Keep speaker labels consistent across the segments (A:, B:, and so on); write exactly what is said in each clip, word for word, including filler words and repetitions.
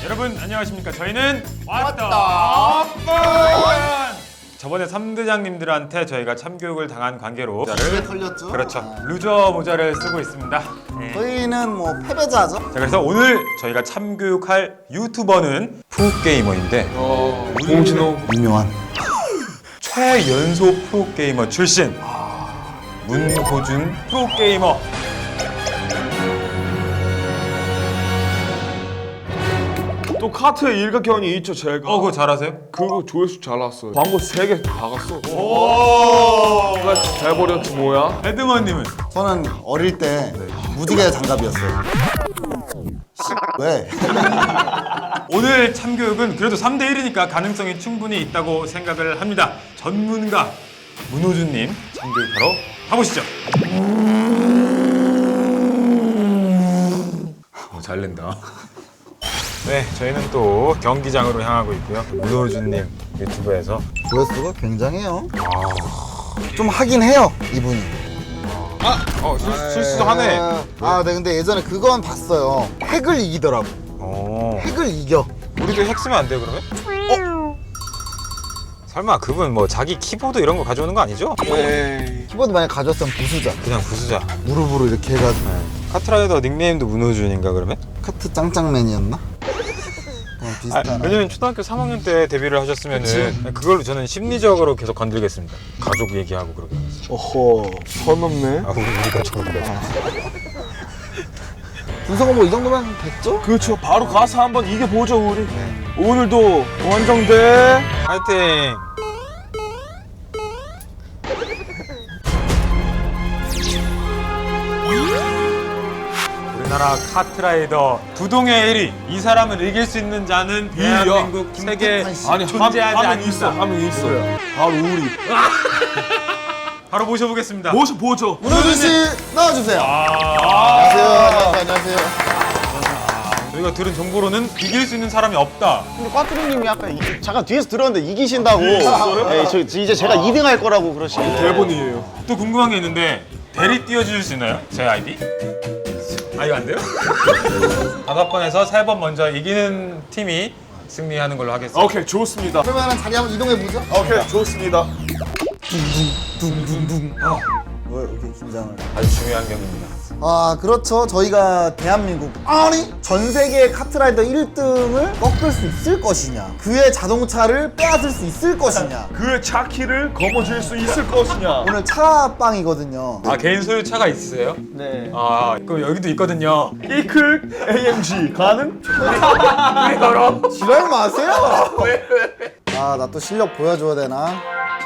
A: 여러분 안녕하십니까? 저희는 왔다 뻔! 저번에 삼 대장님들한테 저희가 참교육을 당한 관계로
B: 모자를 털렸죠?
A: 그렇죠.
B: 아.
A: 루저 모자를 쓰고 있습니다. 네.
B: 저희는 뭐 패배자죠?
A: 자, 그래서 오늘 저희가 참교육할 유튜버는 프로게이머인데
C: 어, 봉진호
B: 유명한
A: 최연소 프로게이머 출신 문호준 프로게이머.
C: 또 카트의 일가견이 있죠 제가.
A: 어, 그거 잘하세요?
C: 그거 조회수 잘 나왔어요. 광고 세 개 다 갔어. 오, 잘 버렸지 뭐야?
A: 에드먼님은?
B: 저는 어릴 때 무지개 장갑이었어요. 왜?
A: 오늘 참교육은 그래도 삼 대 일이니까 가능성이 충분히 있다고 생각을 합니다. 전문가 문호준님 참교육하러 가보시죠. 어, 잘 낸다. 네, 저희는 또 경기장으로 향하고 있고요. 문호준님 유튜브에서
B: 조회수가 굉장해요. 좀 하긴 해요, 이분이.
A: 어, 실, 실수도 하네.
B: 아, 네, 근데 예전에 그건 봤어요. 핵을 이기더라고.
A: 어,
B: 핵을 이겨.
A: 우리도 핵 쓰면 안 돼요, 그러면? 어? 설마 그분 뭐 자기 키보드 이런 거 가져오는 거 아니죠?
C: 에이.
B: 키보드 만약 가져왔으면 부수자.
A: 그냥 부수자.
B: 무릎으로 이렇게 해가지고.
A: 카트라이더 닉네임도 문호준인가 그러면?
B: 카트 짱짱맨이었나? 어,
A: 아,
B: 비슷한.
A: 왜냐면 초등학교 삼 학년 때 데뷔를 하셨으면은 그걸로 저는 심리적으로 계속 건들겠습니다. 가족 얘기하고 그러게.
C: 어허, 선 넘네.
A: 아, 우리 우리가 저기가.
B: 분석은 뭐 이 정도면 됐죠?
C: 그렇죠. 바로 가서 한번 이겨보죠 우리. 오늘도 원정대.
A: 파이팅! 우리나라 카트라이더 부동의 일 위. 이 사람을 이길 수 있는 자는 대한민국 세계
B: 김태환 씨.
C: 아니
A: 존재하지
C: 한 명 있어,
A: 않는다.
C: 한 명 있어. 바로 우리.
A: 바로 모셔보겠습니다.
C: 모셔 보죠.
B: 문호준 씨 나와주세요.
A: 아,
B: 안녕하세요. 안녕하세요.
A: 저희가 들은 정보로는 이길 수 있는 사람이 없다.
D: 근데 꽈뚜리님이 아까 이- 잠깐 뒤에서 들었는데 이기신다고. 네, 저 이제 제가 이 등 할 거라고 그러시는데.
C: 대본이에요.
A: 또 궁금한 게 있는데 대리 띄워주실 수 있나요? 제 아이디? 아, 이거 안 돼요? 다섯 번에서 세 번 먼저 이기는 팀이 승리하는 걸로 하겠습니다.
C: 오케이 좋습니다.
B: 그러면 자리 한번 이동해 보죠.
C: 오케이 좋습니다.
B: 둥둥둥. 왜 이렇게 긴장을?
A: 아주 중요한 경기입니다.
B: 아, 그렇죠. 저희가 대한민국 아니 전 세계 카트라이더 일 등을 꺾을 수 있을 것이냐, 그의 자동차를 빼앗을 수 있을 것이냐.
C: 그의 차키를 거머쥘 수 있을 것이냐.
B: 오늘 차빵이거든요.
A: 아, 개인 소유차가 있으세요?
D: 네.
A: 아, 그럼 여기도 있거든요.
C: 이클 에이엠지 가능?
B: 지랄 마세요. 아, 나 또 실력 보여줘야 되나?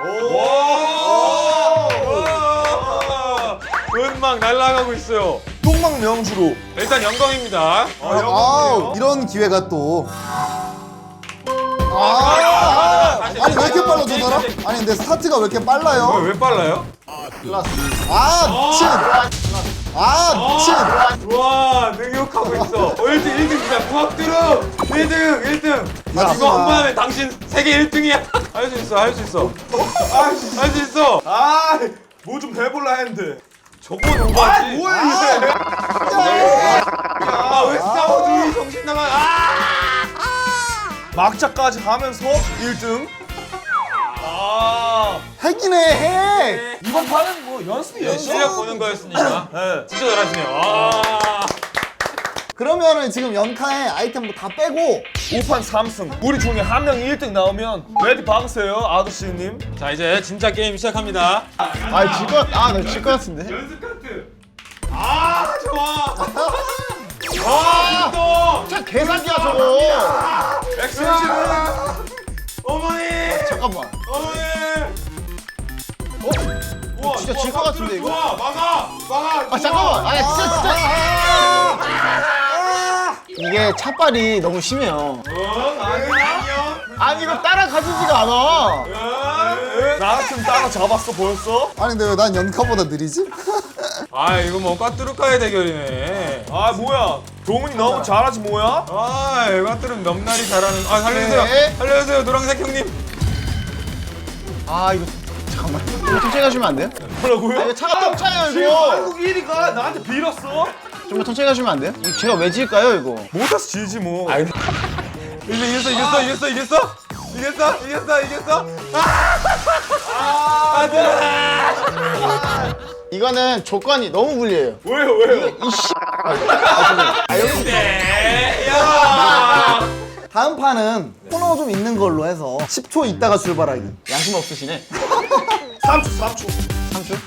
A: 은막 날아가고 있어요.
C: 똥망 명주로.
A: 일단 영광입니다.
B: 아, 이런 기회가 또. 아, 아니 왜 이렇게 빨라 저 사람? 아니 근데 스타트가 왜 이렇게 빨라요?
A: 왜 빨라요?
B: 아, 미친. 아, 미친.
A: 와, 능욕하고 있어. 어, 일 등, 일 등이다. 부학두루 일 등, 일 등. 야,
B: 하지
A: 이거
B: 마.
A: 한 번 하면 당신 세계 일 등이야. 할 수 있어, 할 수 있어. 할 수 있어.
C: 아, 뭐 좀 해볼라 했는데.
A: 저건 오바지.
C: 뭐야 이게?
A: 아, 왜 스타워즈 정신 나가? 아!
C: 막자까지 하면서 일 등. 아,
B: 핵이네 핵.
C: 이번 판은 뭐 연습이에요.
A: 실력 보는 거였으니까.
C: 네.
A: 진짜 잘하시네요. 아.
B: 그러면은 지금 연카에 아이템 뭐 다 빼고
C: 오 판 삼 승. 우리 중에 한 명이 일 등 나오면 레디 박으세요, 아저씨님.
A: 자, 이제 진짜 게임 시작합니다.
D: 아, 질 것, 아, 나 질 것 같은데.
A: 연습 카트. 아, 좋아. 와, 또.
D: 자, 계산기야, 저거.
A: 엑스텐션. 어머니.
D: 잠깐만.
A: 어머니. 어? 우와,
D: 진짜
A: 좋아,
D: 질것 같은데, 이거?
A: 좋아, 막아, 막아.
D: 아, 잠깐만. 아, 진짜, 진짜. 이게 차빨이 너무 심해요.
A: 어, 아니, 안녕.
D: 아니, 이거 따라가지지가 않아.
A: 어?
C: 나 같으면 따라 잡았어 벌써?
B: 아니 근데 왜 난 연카보다 느리지?
A: 아, 이거 뭐 까뚜루카의 대결이네.
C: 아 뭐야? 동훈이 너무 잘하지 뭐야?
A: 아, 까뚜루는 넘날이 잘하는. 아, 살려주세요.
D: 네.
A: 살려주세요, 노란색 형님.
D: 아, 이거, 잠깐만. 이거 천천히 가시면 안 돼요?
C: 뭐라고요?
D: 아, 이거 차가 똥차예요,
C: 지금
D: 이거.
C: 한국 일 위가 나한테 빌었어?
D: 좀만 천천히 가시면 안 돼요? 이거 제가 왜 질까요, 이거?
C: 못해서 지지 뭐.
A: 아니, 이제 이겼어 이겼어 이겼어 이겼어 이겼어 이겼어 이겼어 아 안돼
D: 이거는 조건이 너무 불리해요.
C: 왜요 왜요?
D: 이씨. 아 여기
A: 야
B: 다음 판은 코너 좀 있는 걸로 해서 십 초 있다가 출발하기.
D: 양심 없으시네.
C: 삼 초 삼 초.
D: 삼 초?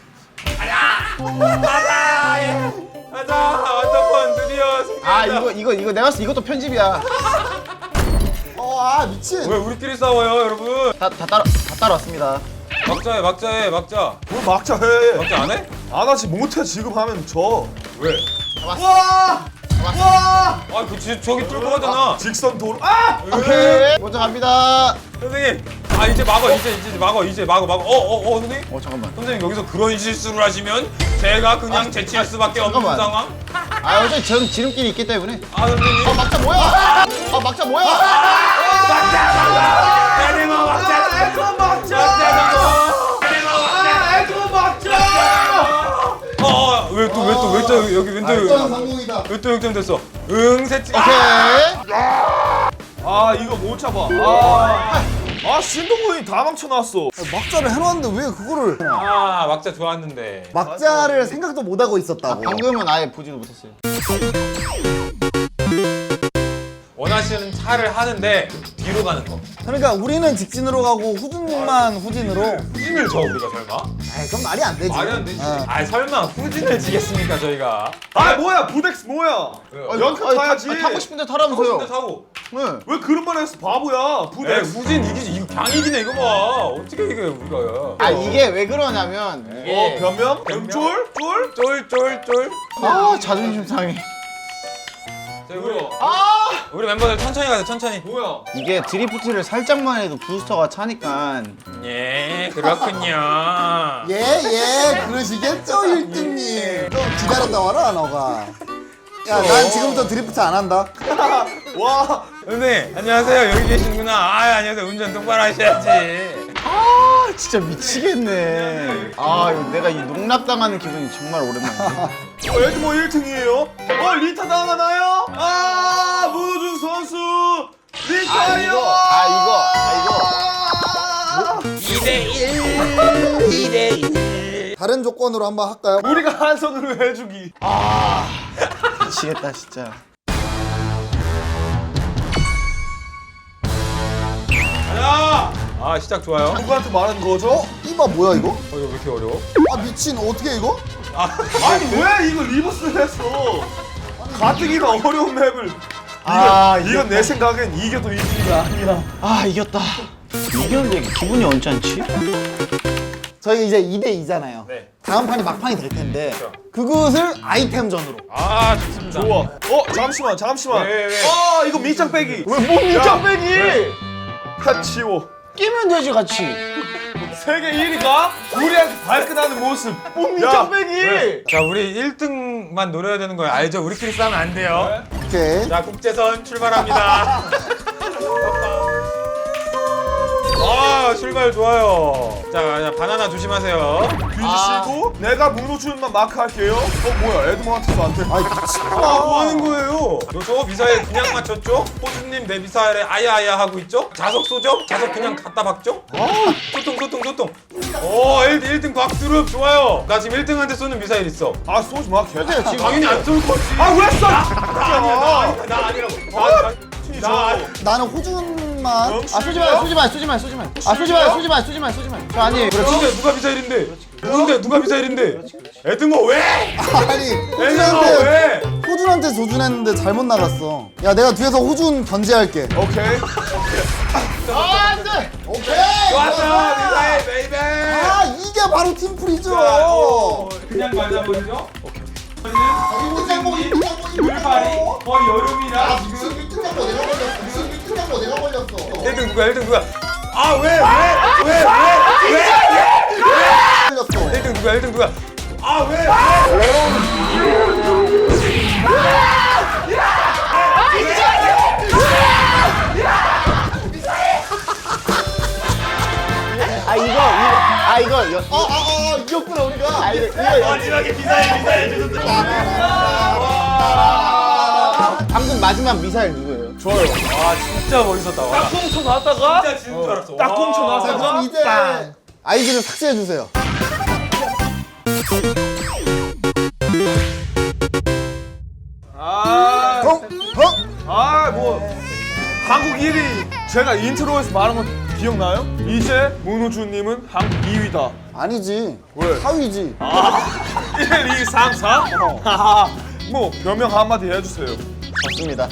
A: 가자 완전판 드디어 승리.
D: 아 이거 이거 이거 내가 봤을 때 이것도 편집이야.
B: 어, 아 미친.
A: 왜 우리끼리 싸워요 여러분?
D: 다 다 따라 다 따라왔습니다.
A: 막자해 막자해 막자.
C: 뭘 막자 해.
A: 막자 안 해?
C: 안 하지 못해 지금 하면 져.
A: 왜?
C: 와! 와!
A: 아 그 저기 뚫고 가잖아.
C: 직선 도로. 아!
D: 오케이. 먼저 갑니다.
A: 선생님 아 이제 막어 이제 이제 막어 이제 막어 막어 어어어 선생님
D: 어 잠깐만.
A: 선생님 여기서 그런 실수를 하시면 제가 그냥 제치할 수밖에 없는
D: 잠깐만.
A: 상황.
D: 아 어차피 전 지름길이 있기 때문에.
A: 아 선생님
D: 아 막자 뭐야? 아 막자 뭐야?
A: 에드머 막자 에드머 막자 에드머 막자 어왜 또 왜 또 왜 또 여기
B: 전
A: 왼쪽
B: 성공이다.
A: 왜 또 역전 됐어 응 세치
D: 오케이.
C: 아 이거 못 잡아. 아, 아 신동훈이 다 망쳐놨어.
B: 막자를 해놨는데 왜 그거를
A: 아 막자 좋았는데
B: 막자를 생각도 못 하고 있었다고.
D: 방금은 아예 보지도 못했어요.
A: 원하시는 차를 하는데 뒤로 가는 거
B: 그러니까 우리는 직진으로 가고 후진만 후진으로.
A: 후진을 져 우리가 설마?
B: 아이 그럼 말이 안 되지.
A: 말이 안 되지
B: 어.
A: 아 설마 후진을 지겠습니까 저희가
C: 아 뭐야 부덱스 뭐야?
A: 왜요?
C: 아, 연카 타야지.
D: 아, 타고 싶은데 타라면서요.
A: 근데 사고
D: 네.
C: 왜 그런 말 했어 바보야.
A: 에
C: 부덱스.
A: 후진 이기지 이거 강이기네 이거 봐 어떻게 이게 우리가
D: 아 이게 왜 그러냐면
C: 어
D: 이게
C: 변명?
A: 변명?
C: 쫄? 쫄?
A: 쫄쫄쫄
D: 아 자존심 상해.
A: 자, 우리
D: 아
A: 우리 멤버들 천천히 가자 천천히
C: 뭐야?
D: 이게 드리프트를 살짝만 해도 부스터가 차니까.
A: 예 그렇군요
B: 예, 예, 그러시겠죠, 일 등님. 좀 기다렸다 와라, 너가. 야, 난 지금부터 드리프트 안 한다.
C: 와.
A: 선생님 안녕하세요 여기 계시는구나 아 안녕하세요 운전 똑바로 하셔야지
D: 아 진짜 미치겠네. 아 이거 내가 이 농락당하는 기분이 정말 오랜만이네.
C: 어, 에드모 일 등이에요? 어 리타 당하나요? 아 문호준 선수
D: 아
C: 리타요.
D: 이거 아 이거 아 이거
A: 이 대 일 이 대 일
B: 다른 조건으로 한번 할까요?
C: 우리가 한 손으로 해주기.
D: 미치겠다 진짜.
A: 가자 아 시작 좋아요
C: 누구한테 말한 거죠?
B: 이봐, 뭐야, 이거?
A: 어 이거 왜 이렇게 어려워?
B: 아, 미친, 어떻게 이거?
C: 아니 왜 이거 리버스를 했어? 가뜩이나 어려운 맵을.
D: 아,
C: 이건, 이건 내 생각엔 이겨도 이기가 아니야.
D: 아 이겼다. 이겼는데 기분이 언짢지?
B: 저희 이제 이 대 이잖아요.
A: 네.
B: 다음 판이 막판이 될 텐데,
A: 그렇죠.
B: 그것을 아이템전으로.
A: 아 좋습니다
C: 좋아. 어 잠시만 잠시만.
A: 왜, 왜?
C: 아 이거 밑장 빼기.
D: 왜뭔 밑장 빼기?
C: 다 치워.
D: 끼면 되지 같이.
C: 세계 일 위가 우리한테 발끈하는 모습.
D: 뭔
C: 야,
D: 밑장 빼기?
C: 왜?
A: 자 우리 일 등만 노려야 되는 거예요 알죠? 우리끼리 싸우면 안 돼요
B: 오케이.
A: 자 국제선 출발합니다 아 출발 좋아요 자, 자 바나나 조심하세요
C: 뒤지시고 내가 문호준만 마크할게요. 어 뭐야 에드모한테도 안 돼.
B: 아이, 미친.
A: 아, 뭐 하는 거예요? 저 미사일 그냥 맞췄죠? 호주님 내 미사일에 아야아야 하고 있죠? 자석 쏘죠? 자석 그냥 갖다 박죠? 소통 소통 소통 오 일 등 곽두릅 좋아요 나 지금 일 등한테 쏘는 미사일 있어
C: 아 쏘지 마 개.
D: 지금
A: 당연히 안 쏠 거지
C: 아 왜 쏴?
A: 아니야 나 아니- 나 아니라고 나, 나, 나 아니-
B: 나는 호준만.
D: 아 쏘지 마요 쏘지 마요 쏘지 마요 쏘지 마요. 아 쏘지 마요 쏘지 마요 쏘지 마요 쏘지 마요. 저 아니에요.
A: 근데 누가 미사일인데? 누군데 누가 미사일인데? 에드모 왜?
B: 아니,
A: 에드모
B: 호준한테,
A: 왜?
B: 호준한테 조준했는데 잘못 나갔어. 야, 내가 뒤에서 호준 견제할게.
C: 오케이.
D: 아 안돼.
B: 오케이!
A: 좋았어 미사일 베이베
B: 아, 이게 바로 팀플이죠.
A: 오, 그냥 맞아버리죠?
B: 일등장고, 일등장고,
A: 물파리 거의 여름이라
B: 무슨 일등장고 내가 걸렸어. 무슨 일등장고 내가 걸렸어.
A: 일 등 누가 일 등 누가 아 왜 왜 왜 왜 왜
B: 걸렸어.
A: 일 등 누가 일 등 누가 아 왜 왜
D: 아 이거 이거 아 이거 여,
B: 어, 어, 어, 이겼구나, 우리가.
D: 아 이거 이거 여,
A: 마지막에 미사일 미사일
D: 방금 마지막 미사일 누구예요?
C: 좋아요.
A: 와 진짜 멋있었다. 와.
C: 딱 꽁쳐 나왔다가
A: 진짜 지는 줄 알았어.
C: 딱 꽁쳐
A: 와.
C: 나왔어.
B: 자 그럼 이제 아이디를 삭제해 주세요.
C: 아,
B: 어? 어?
C: 아, 뭐 한국 일 위 제가 인트로에서 말한 거 기억나요? 이제 문호준님은 한국 이 위다.
B: 아니지.
C: 왜?
B: 사 위지.
C: 일, 이, 삼, 사? 하하. 뭐 변명 한마디 해주세요.
D: 좋습니다.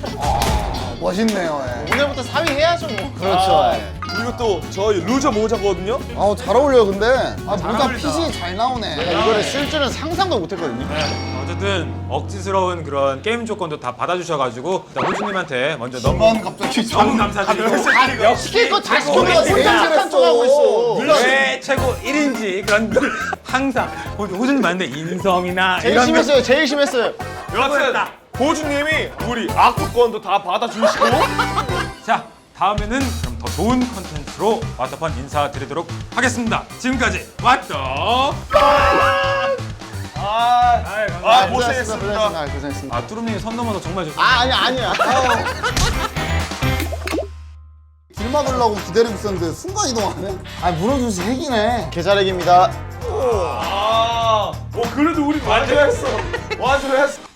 B: 멋있네요. 예.
D: 오늘부터 사 위 해야죠 뭐. 그렇죠.
C: 아, 그리고 또 저희 루저 모자거든요.
B: 아우 잘 어울려요 근데. 아 모자
A: 어울린다.
B: 핏이 잘 나오네.
D: 이거를 쓸 줄은 상상도 못했거든요.
A: 네, 어쨌든 억지스러운 그런 게임 조건도 다 받아주셔가지고 일단 호주님한테 먼저 너무
B: 이번 갑자기
A: 너무 감사드리고
D: 시킬 거 다 시켜.
B: 혼자
D: 혼자 쪽하고 있어.
A: 물론 왜 최고 일 인지 그런 걸 항상 호- 호주님한테 인성이나
D: 제일
A: 이런
D: 심했어요. 제일 심했어요.
C: 여하튼 호주님이 우리 악수권도 다 받아주시고
A: 자 다음에는 그럼 더 좋은 컨텐츠로 왓더펀 인사드리도록 하겠습니다. 지금까지 왓더
C: 아, 아
D: 고생했습니다.
C: 고생했습니다.
D: 아, 고생했습니다.
A: 아 뚜루님이 선 넘어서 정말 좋습니다.
D: 아 아니야 아니야.
B: 길 막으려고 기다리고 있었는데 순간 이동하네. 아 문호준 씨 핵이네.
D: 계좌렉입니다.
C: 아, 어 그래도 우리 완주했어. 완주했어.